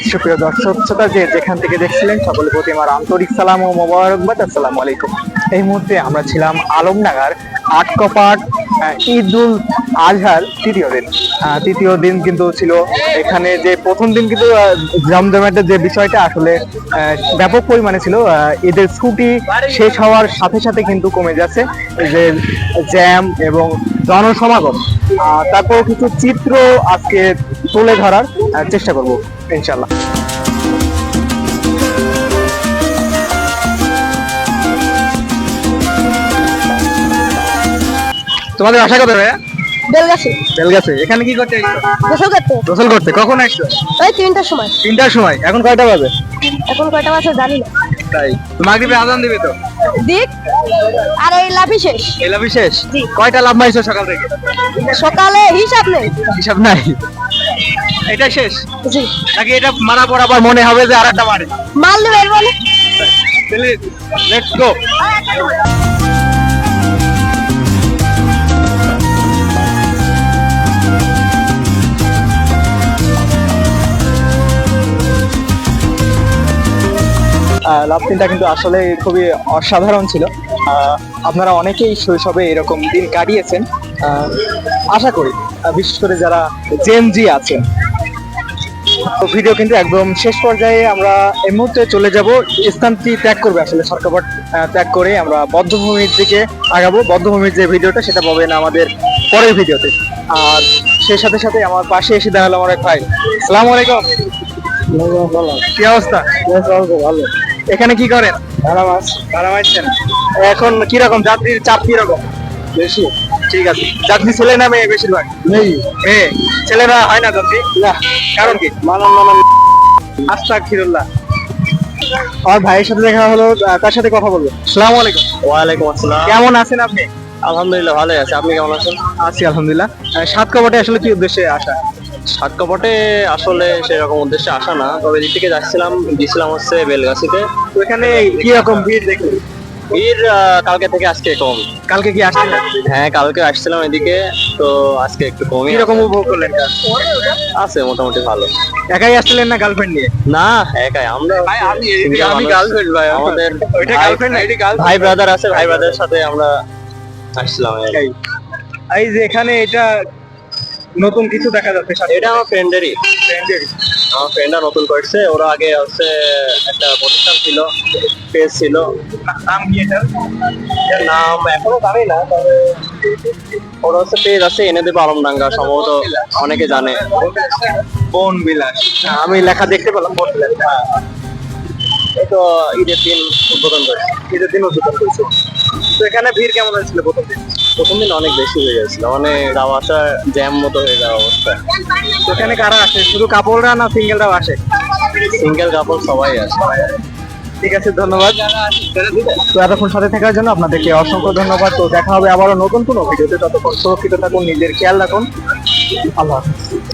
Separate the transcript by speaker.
Speaker 1: সুপ্রিয় দর্শক শ্রোতা যে যেখান থেকে দেখছিলেন সকলের প্রতি আমার আন্তরিক সালাম ও মোবারকবাদ। আসসালামু আলাইকুম। এই মুহূর্তে আমরা ছিলাম আলমডাঙ্গার আটকপাট ঈদুল আজহার তৃতীয় দিন কিন্তু ছিল এখানে। যে প্রথম দিন কিন্তু জমজমাটের যে বিষয়টা আসলে ব্যাপক পরিমাণে ছিল। ঈদের ছুটি শেষ হওয়ার সাথে সাথে কিন্তু কমে যাচ্ছে যে জ্যাম এবং জনসমাগম। তারপর কিছু চিত্র আজকে তুলে ধরার চেষ্টা করব ইনশাল্লাহ। তোমাদের আশা কত ভাইয়া? বেলগাছি। এখানে কি করতে? গোসল করতে। কখন আসছো?
Speaker 2: ওই 3টার সময়।
Speaker 1: 3টার সময়। এখন কয়টা বাজে?
Speaker 2: এখন কয়টা বাজে জানি না।
Speaker 1: তাই মাগরিবে আজান দিবে তো?
Speaker 2: দিক আর এই লাভই শেষ।
Speaker 1: এই লাভই শেষ? কয়টা লাভ মাইছো সকাল থেকে?
Speaker 2: সকালে হিসাব নেই।
Speaker 1: হিসাব নাই? এটা শেষ?
Speaker 2: জি।
Speaker 1: নাকি এটা মারা পর আবার মনে হবে যে আরেকটা মারি?
Speaker 2: মাল দেবে বলে।
Speaker 1: Let's go. লাভ দিনটা কিন্তু আসলে খুবই অসাধারণ ছিল। আপনারা অনেকেই শৈশবে এরকম দিন কাটিয়েছেন আশা করি, বিশেষ করে যারা জেনজি আছেন। তো ভিডিও কিন্তু একদম শেষ পর্যায়ে। আমরা এই মুহূর্তে চলে যাব, স্থানটি ত্যাগ করবে আসলে সরকারপাট ত্যাগ করে আমরা বদ্ধভূমির দিকে আগাবো। বদ্ধভূমির যে ভিডিওটা সেটা পাবেন আমাদের পরের ভিডিওতে। আর সেই সাথে সাথে আমার পাশে এসে দাঁড়ালো আমার এক ভাই। আসসালামু আলাইকুম। কি অবস্থা? ভালো। এখানে কি করেন? ভাড়া মারছেন। এখন কিরকম যাত্রীর চাপ কিরকম? বেশি। ঠিক আছে। যাত্রী ছেলে না মেয়ে? বেশিরভাগ মেয়ে। ছেলেরা হয় না যাত্রী? না। কারণ কি? আস্তাগফিরুল্লাহ। আমার ভাইয়ের সাথে দেখা হলো, তার সাথে কথা বলবো। আসসালামু আলাইকুম।
Speaker 3: ওয়ালাইকুম আসসালাম।
Speaker 1: কেমন আছেন আপনি?
Speaker 3: আলহামদুলিল্লাহ ভালো আছি। আপনি কেমন আছেন?
Speaker 1: আছি আলহামদুলিল্লাহ। সাত কপাটে আসলে কি উদ্দেশ্যে আসা?
Speaker 3: সাতকাপটে আসলে সেরকম উদ্দেশ্যে আসা না, তবে এদিক থেকে গেছিলাম হচ্ছে বেলগাছিতে।
Speaker 1: তো এখানে কি রকম ভিড় দেখলেন?
Speaker 3: ভিড় কালকে থেকে আজকে কম।
Speaker 1: কালকে কি আসছিলেন?
Speaker 3: হ্যাঁ কালকে আসছিলাম এদিকে, তো আজকে একটু কমই।
Speaker 1: কিরকম উপভোগ করলেন?
Speaker 3: আছে মোটামুটি ভালো।
Speaker 1: একাই আসছিলেন না গার্লফ্রেন্ড নিয়ে?
Speaker 3: না একাই আমরা।
Speaker 1: আমি গার্লফ্রেন্ড ভাই।
Speaker 3: আমাদের
Speaker 1: ওইটা গার্লফ্রেন্ড না, এটা গার্লফ্রেন্ড।
Speaker 3: ভাই ব্রাদার আছে, ভাই ব্রাদারের সাথে আমরা আসছিলাম।
Speaker 1: এই যে এখানে এটা নতুন কিছু দেখা যাচ্ছে।
Speaker 3: এটা আমার ফ্রেন্ডেরই। আমার ফ্রেন্ডরা নতুন করছে। ওরা আগে হচ্ছে একটা প্রতিষ্ঠান ছিল, পেজ ছিল।
Speaker 1: নাম কি এটার?
Speaker 3: এর নাম এখনো জানি না, তবে ওরা হচ্ছে পেজ আছে এনে দেবে আলমডাঙ্গা, সম্ভবত অনেকে জানে।
Speaker 1: বন বিলাস। আমি লেখা দেখতে পেলাম বন বিলাস।
Speaker 3: এই তো ঈদের দিন উদ্বোধন করেছে।
Speaker 1: তো এখানে ভিড় কেমন হয়েছিল প্রথম দিন?
Speaker 3: প্রথম দিন অনেক বেশি হয়ে গেছিল, মানে যাওয়া আসা জ্যাম মতো হয়ে যাওয়া অবস্থা।
Speaker 1: তো এখানে কারা আসে? শুধু কাপড়রা না সিঙ্গেলরাও আসে?
Speaker 3: সিঙ্গেল কাপল সবাই আছে।
Speaker 1: ঠিক আছে, ধন্যবাদ। তো এতক্ষণ সাথে থাকার জন্য আপনাদেরকে অসংখ্য ধন্যবাদ। তো দেখা হবে আবারও নতুন কোনো ভিডিওতে। ততক্ষণ সুরক্ষিত থাকুন, নিজের খেয়াল রাখুন। আল্লাহ হাফেজ।